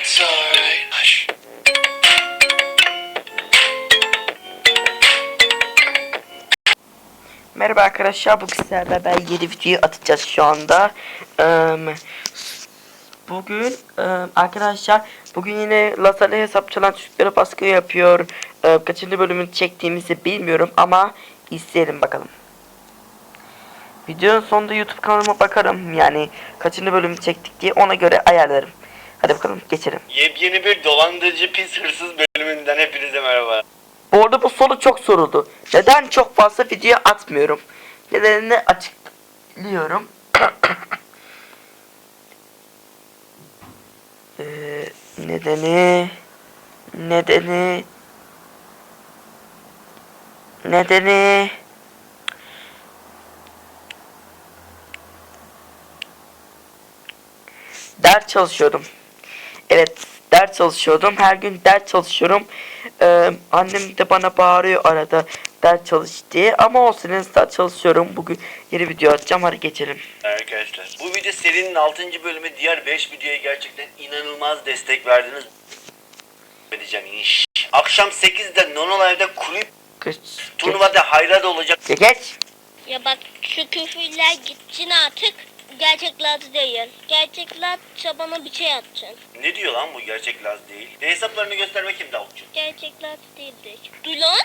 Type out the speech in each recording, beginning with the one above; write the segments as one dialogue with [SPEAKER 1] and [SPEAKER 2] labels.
[SPEAKER 1] It's alright. Hush.
[SPEAKER 2] Merhaba arkadaşlar, bugün sizlerle beraber yeni video atacağız şu anda. Bugün arkadaşlar yine Lazer'le hesap çalan çocuklara baskı yapıyor. Kaçıncı bölümünü çektiğimizi bilmiyorum ama izleyelim bakalım. Videonun sonunda YouTube kanalıma bakarım, yani kaçıncı bölümü çektik diye, ona göre ayarlarım. Hadi bakalım geçelim.
[SPEAKER 3] Yepyeni bir dolandırıcı pis hırsız bölümünden hepinize merhaba.
[SPEAKER 2] Bu arada bu soru çok soruldu. Neden çok fazla video atmıyorum? Nedenini açıklıyorum. Nedeni ders çalışıyordum. Evet, ders çalışıyordum. Her gün ders çalışıyorum. Annem de bana bağırıyor arada ders çalış diye. Ama olsun, ders çalışıyorum. Bugün yeni video atacağım. Hadi geçelim.
[SPEAKER 3] Arkadaşlar bu video serinin 6. bölümü, diğer 5 videoya gerçekten inanılmaz destek verdiniz. Edeceğim iş. Akşam 8'de Nonolive'da kulüp turnuvada hayrat olacak.
[SPEAKER 2] Geç.
[SPEAKER 4] Ya bak, şu küfürler gitsin artık. Gerçekler değil. Gerçekler çabana bir şey atacaksın.
[SPEAKER 3] Ne diyor lan bu, gerçek Laz değil. Hesaplarını göster bakayım Davutcuğum.
[SPEAKER 4] Gerçekler değildir. Duy lan.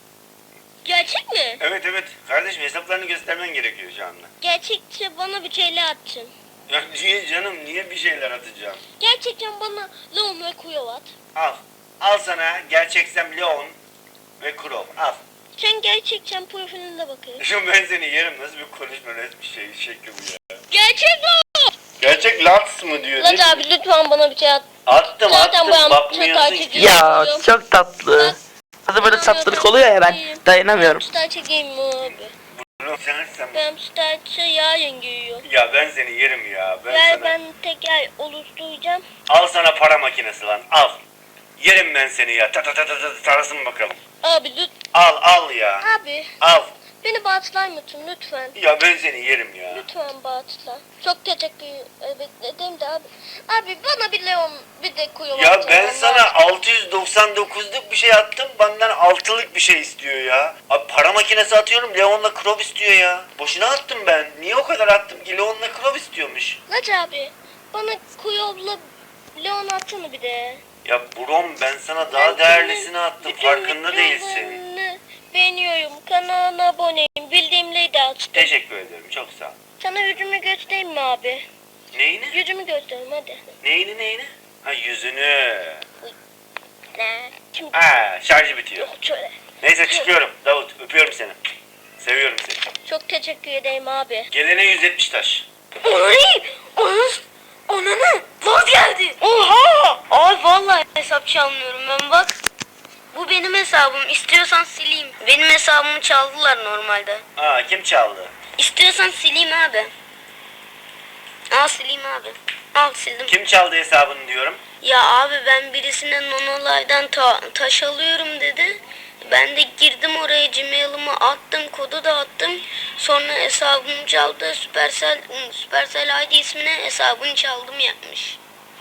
[SPEAKER 4] Gerçek mi?
[SPEAKER 3] Evet kardeşim, hesaplarını göstermen gerekiyor şu anda.
[SPEAKER 4] Gerçekçe bana bir şeyler atacaksın.
[SPEAKER 3] Ya niye canım, niye bir şeyler atacağım?
[SPEAKER 4] Gerçekten bana Leon ve Kuyo at.
[SPEAKER 3] Al sana gerçeksem Leon ve Krov, al.
[SPEAKER 4] Sen gerçekten profiline bakıyorsun.
[SPEAKER 3] Şu ben seni yerim, nasıl bir konuşma şekli bu ya.
[SPEAKER 4] Gerçek mi?
[SPEAKER 3] Gerçek Laz mı diyor?
[SPEAKER 4] Lan abi lütfen bana bir şey at.
[SPEAKER 3] Attım
[SPEAKER 4] Zaten bu an
[SPEAKER 3] bakmıyorsun
[SPEAKER 4] takip
[SPEAKER 3] ki.
[SPEAKER 2] Ya çok tatlı. Hadi böyle tatlılık oluyor ya, ben dayanamıyorum.
[SPEAKER 4] Star çekeyim mi abi?
[SPEAKER 3] Bunu sen.
[SPEAKER 4] Ben Star'ı yarın giyiyorum.
[SPEAKER 3] Ya ben seni yerim ya.
[SPEAKER 4] Ben teker oluşturacağım.
[SPEAKER 3] Al sana para makinesi lan, al. Yerim ben seni ya. Tarasın bakalım.
[SPEAKER 4] Abi lütfen.
[SPEAKER 3] Al ya.
[SPEAKER 4] Abi
[SPEAKER 3] Al.
[SPEAKER 4] beni bağışlar mısın lütfen?
[SPEAKER 3] Ya ben seni yerim ya.
[SPEAKER 4] Lütfen bağışla. Çok teşekkür ederim de abi. Abi bana bir Leon bir de Kuyo
[SPEAKER 3] Ya
[SPEAKER 4] atacağım.
[SPEAKER 3] ben sana 699'luk bir şey attım, benden 6'lık bir şey istiyor ya. Abi para makinesi atıyorum, Leon'la Krov istiyor ya. Boşuna attım ben. Niye o kadar attım ki? Leon'la Krov istiyormuş.
[SPEAKER 4] Laç abi bana Kuyo'la Leon atsana bir de.
[SPEAKER 3] Ya Brom, ben sana daha değerlisini attım,
[SPEAKER 4] bütün
[SPEAKER 3] farkında değilsin.
[SPEAKER 4] videolarını beğeniyorum. Kanalına aboneyim. Bildiğimleri de açtım.
[SPEAKER 3] Teşekkür ederim, çok sağ ol.
[SPEAKER 4] Sana yüzümü göstereyim mi abi?
[SPEAKER 3] Neyini?
[SPEAKER 4] Yüzümü göstereyim hadi.
[SPEAKER 3] Neyini? Ha, yüzünü.
[SPEAKER 4] Ne? Kim?
[SPEAKER 3] Şarjı bitiyor.
[SPEAKER 4] Yok şöyle.
[SPEAKER 3] Neyse çıkıyorum. Davut, öpüyorum seni. Seviyorum seni.
[SPEAKER 4] Çok teşekkür ederim abi.
[SPEAKER 3] Gelene 170 taş.
[SPEAKER 4] Ananı vaz geldi. Oha! Ay vallahi hesap çalmıyorum ben, bak. Bu benim hesabım. İstiyorsan sileyim. Benim hesabımı çaldılar normalde.
[SPEAKER 3] Kim çaldı?
[SPEAKER 4] İstiyorsan sileyim abi. Al sileyim abi. Al sildim.
[SPEAKER 3] Kim çaldı hesabını diyorum.
[SPEAKER 4] Ya abi ben birisine Nonolive'dan taş alıyorum dedi. Ben de girdim oraya, Gmail'ımı attım, kodu da attım. Sonra hesabımı çaldı. Supercell ID ismine hesabını çaldım yapmış.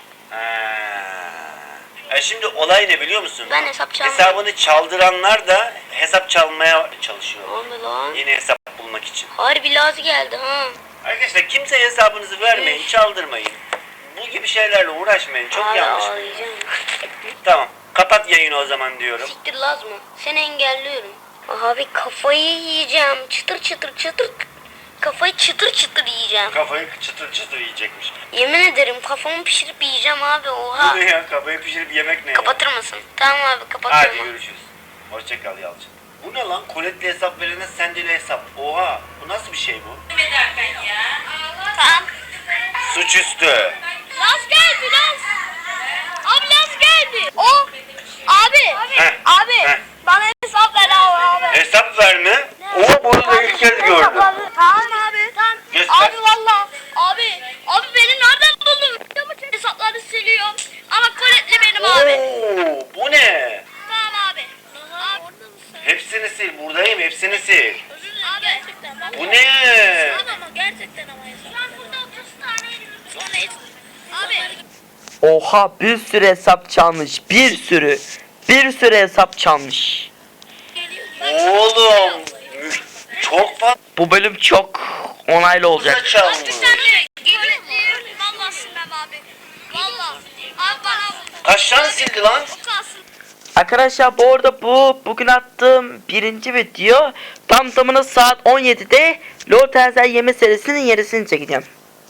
[SPEAKER 3] Şimdi olay ne biliyor musun?
[SPEAKER 4] Ben hesap çalmıyorum.
[SPEAKER 3] Hesabını çaldıranlar da hesap çalmaya çalışıyor.
[SPEAKER 4] Abi lan.
[SPEAKER 3] Yeni hesap bulmak için.
[SPEAKER 4] Harbi lazı geldi ha.
[SPEAKER 3] Arkadaşlar kimseye hesabınızı vermeyin, çaldırmayın. Bu gibi şeylerle uğraşmayın, çok
[SPEAKER 4] Abi
[SPEAKER 3] yanlış.
[SPEAKER 4] ağlayacağım.
[SPEAKER 3] Tamam, kapat yayını o zaman diyorum.
[SPEAKER 4] Siktir Laz mı? Seni engelliyorum. Abi kafayı yiyeceğim. Çıtır çıtır çıtır. Kafayı çıtır çıtır yiyeceğim.
[SPEAKER 3] Kafayı çıtır çıtır yiyecekmiş.
[SPEAKER 4] Yemin ederim kafamı pişirip yiyeceğim abi, oha.
[SPEAKER 3] Bu ne ya, kafayı pişirip yemek ne ya?
[SPEAKER 4] Kapatır mısın? Tamam abi kapatıyorum.
[SPEAKER 3] Hadi görüşürüz. Hoşça kal Yalçın. Bu ne lan? Koletli hesap verene sendeli hesap. Oha, bu nasıl bir şey bu?
[SPEAKER 4] Tamam.
[SPEAKER 3] Suçüstü.
[SPEAKER 4] Laz geldi Laz. Abi Laz geldi. O. Abi.
[SPEAKER 3] Heh,
[SPEAKER 4] Abi.
[SPEAKER 3] heh.
[SPEAKER 4] Bana hesap ver abi.
[SPEAKER 3] Hesap verme. Oo, bunu da ilk kez gördüm.
[SPEAKER 4] Tamam abi. Tamam.
[SPEAKER 3] Göster.
[SPEAKER 4] Abi valla. Abi beni nereden buldun? Hesapları siliyorum. Ama koletli benim abi.
[SPEAKER 3] Oo, bu ne?
[SPEAKER 4] Tamam abi.
[SPEAKER 3] Hepsini sil. Buradayım, hepsini sil.
[SPEAKER 4] Abi. Gerçekten bak.
[SPEAKER 3] Bu ne?
[SPEAKER 4] Ama gerçekten ama hesap. Ben burada 30 tane sonra abi.
[SPEAKER 2] Oha, bir sürü hesap çalmış. Bir sürü hesap çalmış.
[SPEAKER 3] Oğlum çok fazla
[SPEAKER 2] Bu bölüm çok onaylı olacak.
[SPEAKER 3] çalmış.
[SPEAKER 1] Vallahi silmem abi. Vallahi. Abi bana
[SPEAKER 3] Kaç tane sildi lan?
[SPEAKER 1] kalsın.
[SPEAKER 2] Arkadaşlar bu arada bugün attığım birinci video tam tamına saat 17'de LoL Terzel Yeme serisinin yenisini çekeceğim.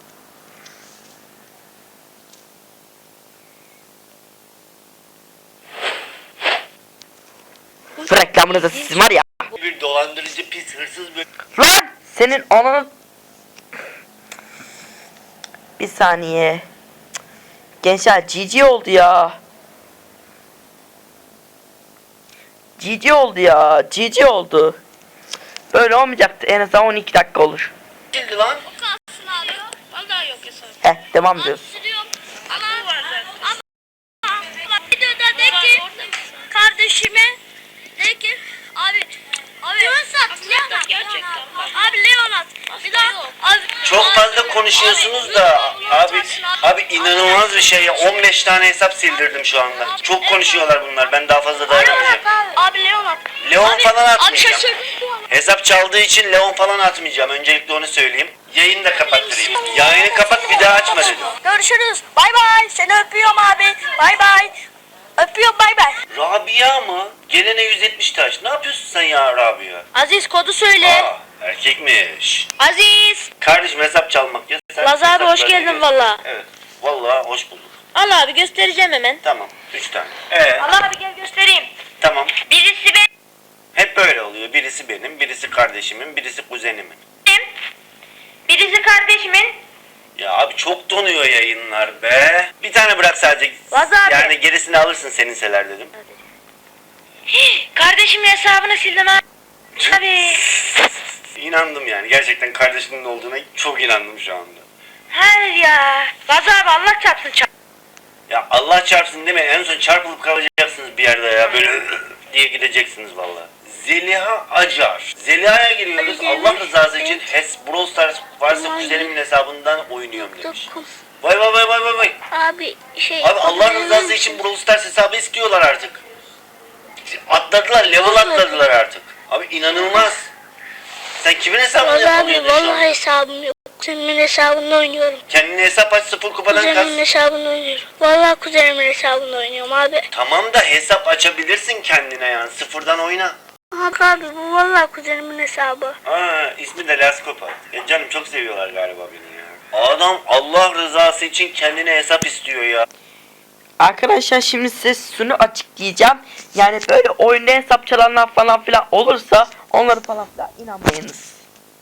[SPEAKER 2] Bu reklamını da siz var ya.
[SPEAKER 3] Bir dolandırıcı pis hırsız bir...
[SPEAKER 2] Lan senin ananı... Bir saniye. Gençler GG oldu ya. GG oldu ya. GG oldu. Böyle olmayacaktı. En azından 12 dakika olur.
[SPEAKER 3] Sildi lan.
[SPEAKER 1] Kalsın abi. Vallahi yok hesap.
[SPEAKER 2] Heh, devam ediyoruz.
[SPEAKER 1] Siliyorum. Ama videoda de ki kardeşime de ki abi Leonat gerçekten abi Leonat bir daha abi
[SPEAKER 3] Çok fazla konuşuyorsunuz da abi inanılmaz bir şey ya. 15 tane hesap sildirdim şu anda. Çok konuşuyorlar bunlar. Ben daha fazla dayanamayacağım.
[SPEAKER 1] abi Leonat
[SPEAKER 3] Leon falan
[SPEAKER 1] abi
[SPEAKER 3] atmayacağım.
[SPEAKER 1] şaşırdım.
[SPEAKER 3] Hesap çaldığı için Leon falan atmayacağım. Öncelikle onu söyleyeyim. Yayını da kapattırayım. Yayını kapat, bir daha açma dedim.
[SPEAKER 1] Görüşürüz. Bay bay. Seni öpüyorum abi. Bay bay. Öpüyorum bay bay.
[SPEAKER 3] Rabia mı? Gelene 170 taş. Ne yapıyorsun sen ya Rabia?
[SPEAKER 1] Aziz kodu söyle.
[SPEAKER 3] Aa, erkekmiş.
[SPEAKER 1] Aziz.
[SPEAKER 3] Kardeşim hesap çalmak ya. Sen
[SPEAKER 1] Laz abi,
[SPEAKER 3] hesap
[SPEAKER 1] hoş
[SPEAKER 3] vermeye
[SPEAKER 1] geldin
[SPEAKER 3] gel.
[SPEAKER 1] valla.
[SPEAKER 3] Evet. Vallahi hoş bulduk.
[SPEAKER 1] Al abi göstereceğim hemen.
[SPEAKER 3] Tamam. 3 tane.
[SPEAKER 1] Al abi gel göstereyim.
[SPEAKER 3] Tamam.
[SPEAKER 1] Birisi benim.
[SPEAKER 3] Hep böyle oluyor. Birisi benim, birisi kardeşimin, birisi kuzenimin.
[SPEAKER 1] Birisi kardeşimin.
[SPEAKER 3] Ya abi çok donuyor yayınlar be. Bir tane bırak sadece.
[SPEAKER 1] Laz abi.
[SPEAKER 3] Yani gerisini alırsın seninseler dedim.
[SPEAKER 1] Kardeşimin hesabını sildim abi.
[SPEAKER 3] İnandım yani. Gerçekten kardeşinin olduğuna çok inandım şu anda.
[SPEAKER 1] Hayır ya. Laz abi Allah çarpsın çarp.
[SPEAKER 3] Ya Allah çarpsın deme. En son çarpılıp kalacaksınız bir yerde ya. Böyle diye gideceksiniz valla. Zeliha Acar. Zeliha'ya giriyoruz. Allah rızası için Brawl Stars varsa kuzenimin hesabından oynuyorum demiş. Vay vay vay vay vay vay.
[SPEAKER 1] Abi
[SPEAKER 3] Abi Allah rızası için Brawl Stars hesabı istiyorlar artık. Atladılar, level atladılar artık. Abi inanılmaz. Sen kimin hesabını
[SPEAKER 1] Laz abi
[SPEAKER 3] yapamıyordun şu
[SPEAKER 1] vallahi
[SPEAKER 3] an?
[SPEAKER 1] hesabım yok. Kuzenimin hesabını oynuyorum.
[SPEAKER 3] Kendine hesap aç, 0 kupadan kas.
[SPEAKER 1] Kuzenimin hesabını oynuyorum. Vallahi kuzenimin hesabını oynuyorum abi.
[SPEAKER 3] Tamam da hesap açabilirsin kendine yani. Sıfırdan oyna.
[SPEAKER 1] Abi bu vallahi kuzenimin hesabı.
[SPEAKER 3] Aa, ismi de Laskopa. Canım çok seviyorlar galiba beni ya. Adam Allah rızası için kendine hesap istiyor ya.
[SPEAKER 2] Arkadaşlar şimdi size şunu açıklayacağım. Yani böyle oyunda hesap çalanlar falan filan olursa onları falan filan inanmayınız.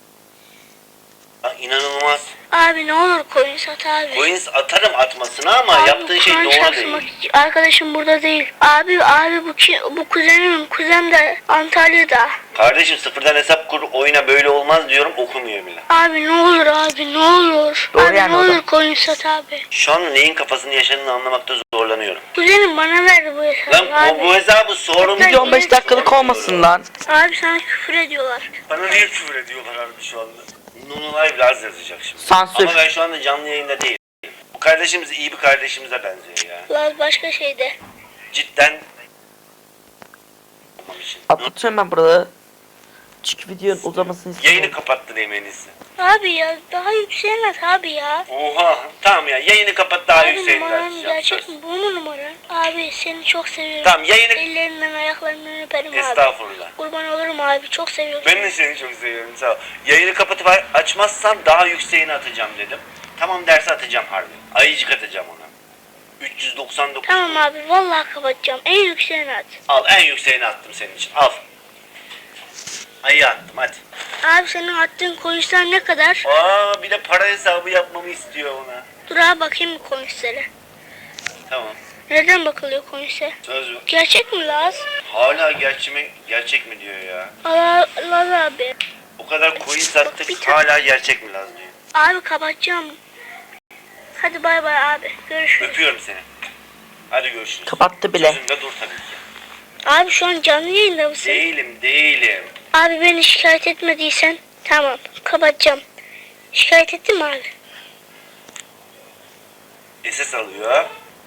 [SPEAKER 3] Ya inanılmaz.
[SPEAKER 1] Abi ne olur koyun sat abi.
[SPEAKER 3] Coins atarım atmasına ama
[SPEAKER 1] Abi,
[SPEAKER 3] yaptığın şey
[SPEAKER 1] Kur'an
[SPEAKER 3] doğru
[SPEAKER 1] çarpsın,
[SPEAKER 3] değil.
[SPEAKER 1] bak, arkadaşım burada değil. Abi bu kuzenim. Kuzen de Antalya'da.
[SPEAKER 3] Kardeşim sıfırdan hesap kur, oyuna böyle olmaz diyorum, okumuyor bile.
[SPEAKER 1] Abi ne olur abi ne olur.
[SPEAKER 2] Doğru
[SPEAKER 1] abi
[SPEAKER 2] yani
[SPEAKER 1] ne
[SPEAKER 2] o da.
[SPEAKER 1] olur koyun sat abi.
[SPEAKER 3] Şu an neyin kafasını yaşadığını anlamakta zorlanıyorum.
[SPEAKER 1] Kuzenim bana verdi bu hesabı
[SPEAKER 3] Lan
[SPEAKER 1] abi.
[SPEAKER 3] bu hesabı sorun.
[SPEAKER 2] Video 15 dakikalık olmasın lan.
[SPEAKER 1] Abi sana küfür ediyorlar.
[SPEAKER 3] Bana niye küfür ediyorlar abi şu anda? Nunu Live Laz yazacak şimdi.
[SPEAKER 2] Sansür.
[SPEAKER 3] Ama ben şu anda canlı yayında değilim. Bu kardeşimiz iyi bir kardeşimize benziyor ya.
[SPEAKER 1] Laz başka şeyde.
[SPEAKER 3] Cidden. Olmam için.
[SPEAKER 2] Atlatıyorum ben burada. Çünkü videonun uzamasını
[SPEAKER 3] Yayını
[SPEAKER 2] istiyorum.
[SPEAKER 3] kapattırayım en iyisi.
[SPEAKER 1] Abi ya daha yükselmez abi ya.
[SPEAKER 3] Oha tamam ya yayını kapat daha
[SPEAKER 1] Abi
[SPEAKER 3] yükseğini
[SPEAKER 1] numaran
[SPEAKER 3] açacağım.
[SPEAKER 1] gerçek
[SPEAKER 3] Söz.
[SPEAKER 1] mi? Bu mu numaran? Abi seni çok seviyorum.
[SPEAKER 3] Tamam yayını...
[SPEAKER 1] Ellerinden ayaklarından öperim abi.
[SPEAKER 3] Estağfurullah.
[SPEAKER 1] Kurban olurum abi çok seviyorum.
[SPEAKER 3] Ben de seni çok seviyorum sağ ol. Yayını kapatıp açmazsan daha yükseğini atacağım dedim. Tamam dersi atacağım harbi. Ayıcık atacağım ona. 399.
[SPEAKER 1] Tamam abi vallahi kapatacağım. En yükseğini at.
[SPEAKER 3] Al en yükseğini attım senin için. Al. Ayı attım hadi.
[SPEAKER 1] Abi senin attığın koyuşlar ne kadar?
[SPEAKER 3] Aa bir de para hesabı yapmamı istiyor ona.
[SPEAKER 1] Dur abi bakayım mı koyuşlara.
[SPEAKER 3] Tamam.
[SPEAKER 1] Neden bakılıyor koyuşa?
[SPEAKER 3] Söz mü?
[SPEAKER 1] Gerçek mi Laz?
[SPEAKER 3] Hala gerçek mi diyor ya.
[SPEAKER 1] Laz abi.
[SPEAKER 3] O kadar coin
[SPEAKER 1] bir
[SPEAKER 3] sattık
[SPEAKER 1] tane-
[SPEAKER 3] hala gerçek mi Laz diyor.
[SPEAKER 1] Abi kapatacağım. Hadi bay bay abi. Görüşürüz.
[SPEAKER 3] Öpüyorum seni. Hadi görüşürüz.
[SPEAKER 2] Kapattı bile.
[SPEAKER 3] Sözünde dur tabii ki.
[SPEAKER 1] Abi şu an canlı yayında mısın?
[SPEAKER 3] Değilim.
[SPEAKER 1] Abi beni şikayet etmediysen tamam kapatacağım. Şikayet ettin mi abi?
[SPEAKER 3] SS alıyor.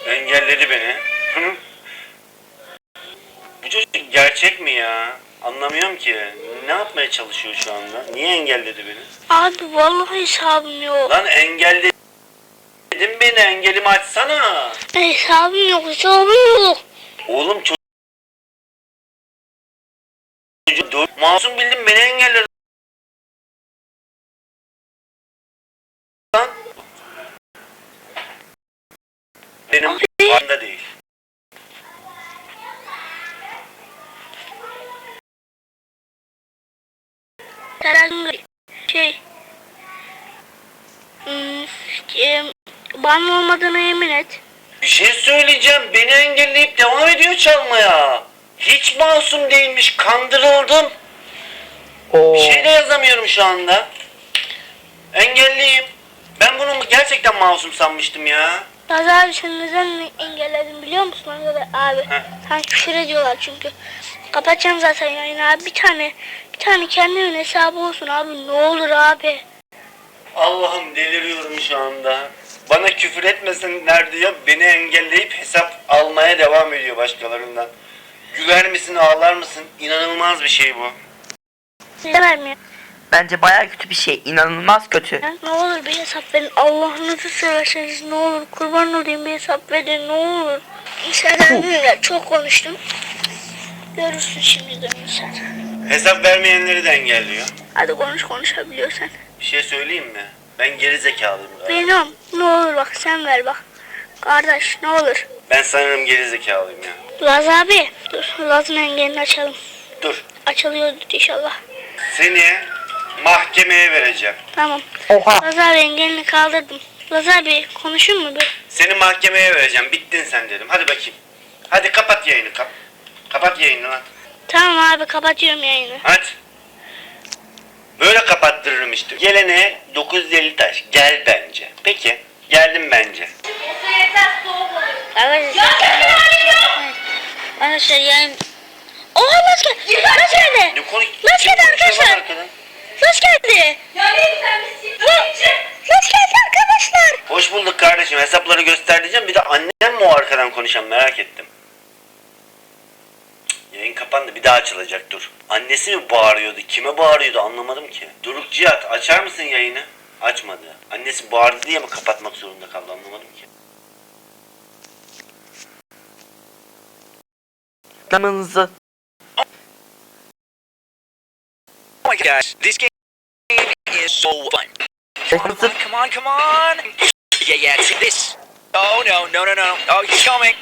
[SPEAKER 3] Engelledi beni. Hı? Bu çocuk gerçek mi ya? Anlamıyorum ki. Ne yapmaya çalışıyor şu anda? Niye engelledi beni?
[SPEAKER 1] Abi vallahi hesabım yok.
[SPEAKER 3] Lan engelledin beni. Engelimi açsana.
[SPEAKER 1] Hesabım yok, hesabım yok.
[SPEAKER 3] Oğlum çocuk masum bildim beni engelledi. Lan. Benim farkında değil.
[SPEAKER 1] Şey, bana olmadığına yemin et.
[SPEAKER 3] Bir şey söyleyeceğim. Beni engelleyip devam ediyor çalmaya. Hiç masum değilmiş. Kandırıldım.
[SPEAKER 2] Oo.
[SPEAKER 3] Bir şey de yazamıyorum şu anda. Engelliyim. Ben bunu gerçekten masum sanmıştım ya.
[SPEAKER 1] Laz abi sen neden engelledin biliyor musun? Abi
[SPEAKER 3] Heh.
[SPEAKER 1] sen küfür ediyorlar çünkü. Kapatacağım zaten yayını abi. Bir tane kendimin hesabı olsun abi, ne olur abi.
[SPEAKER 3] Allah'ım deliriyorum şu anda. Bana küfür etmesinler diyor. Beni engelleyip hesap almaya devam ediyor başkalarından. Güler misin, ağlar mısın? İnanılmaz bir şey bu.
[SPEAKER 1] Demem ya.
[SPEAKER 2] Bence bayağı kötü bir şey. İnanılmaz kötü.
[SPEAKER 1] Ne olur bir hesap verin. Allah'ınızı severseniz ne olur. Kurban olayım, bir hesap verin ne olur. İnsanlar çok konuştum. Görürsün şimdi de sen.
[SPEAKER 3] Hesap vermeyenleri de engelliyor.
[SPEAKER 1] Hadi konuşabiliyorsan.
[SPEAKER 3] Bir şey söyleyeyim mi? Ben geri zekalıyım galiba.
[SPEAKER 1] Benim ne olur bak sen ver bak. Kardeş ne olur.
[SPEAKER 3] Ben sanırım geri zekalıyım ya.
[SPEAKER 1] Laz abi dur, Laz'ın engelini açalım.
[SPEAKER 3] Dur.
[SPEAKER 1] Açılıyordu inşallah.
[SPEAKER 3] Seni mahkemeye vereceğim.
[SPEAKER 1] Tamam.
[SPEAKER 2] Oha.
[SPEAKER 1] Laz abi engelini kaldırdım. Laz abi konuşur mu bir?
[SPEAKER 3] Seni mahkemeye vereceğim. Bittin sen dedim. Hadi bakayım. Hadi kapat yayını. Kapat yayını lan.
[SPEAKER 1] Tamam abi kapatıyorum yayını.
[SPEAKER 3] Hadi. Böyle kapattırırım işte. Gelene 950 taş. Gel bence. Peki. Geldim bence.
[SPEAKER 1] Arkadaşlar yayın... Oha Laz geldi. Laz geldi.
[SPEAKER 3] Ne konu?
[SPEAKER 1] Laz geldi arkadaşlar. Laz geldi. Laz geldi arkadaşlar.
[SPEAKER 3] Hoş bulduk kardeşim. Hesapları göster diyeceğim. Bir de annem mi o arkadan konuşan, merak ettim. Cık, yayın kapandı. Bir daha açılacak, dur. Annesi mi bağırıyordu? Kime bağırıyordu anlamadım ki. Doruk Cihat, açar mısın yayını? Açmadı. Annesi bağırdı diye mi kapatmak zorunda kaldı anlamadım ki.
[SPEAKER 2] Kanalınızı.
[SPEAKER 5] Oh my gosh, this game is so fun.
[SPEAKER 2] Kanalınızı.
[SPEAKER 5] Come on. Yeah, see this. Oh no. Oh, he's coming.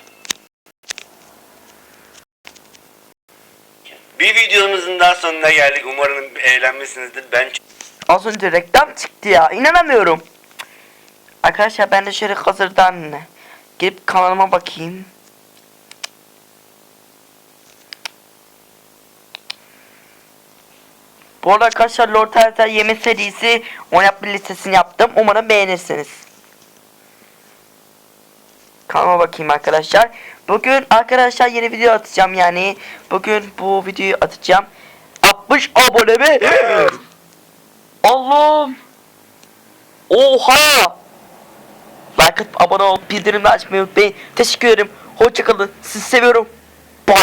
[SPEAKER 3] Bir videomuzun daha sonuna geldik. Umarım eğlenmişsinizdir. Ben
[SPEAKER 2] Az önce reklam çıktı ya. İnanamıyorum. Arkadaşlar ben de şöyle hazırdan girip kanalıma bakayım. Bu arada arkadaşlar Lord Harita yeme serisi oynatma listesini yaptım. Umarım beğenirsiniz. Kanalıma bakayım arkadaşlar. Bugün arkadaşlar yeni video atacağım yani. Bugün bu videoyu atacağım. 60 abone mi? Allah'ım. Oha. Like atıp abone ol, bildirimleri açmayı unutmayın. Teşekkür ederim. Hoşçakalın. Sizi seviyorum.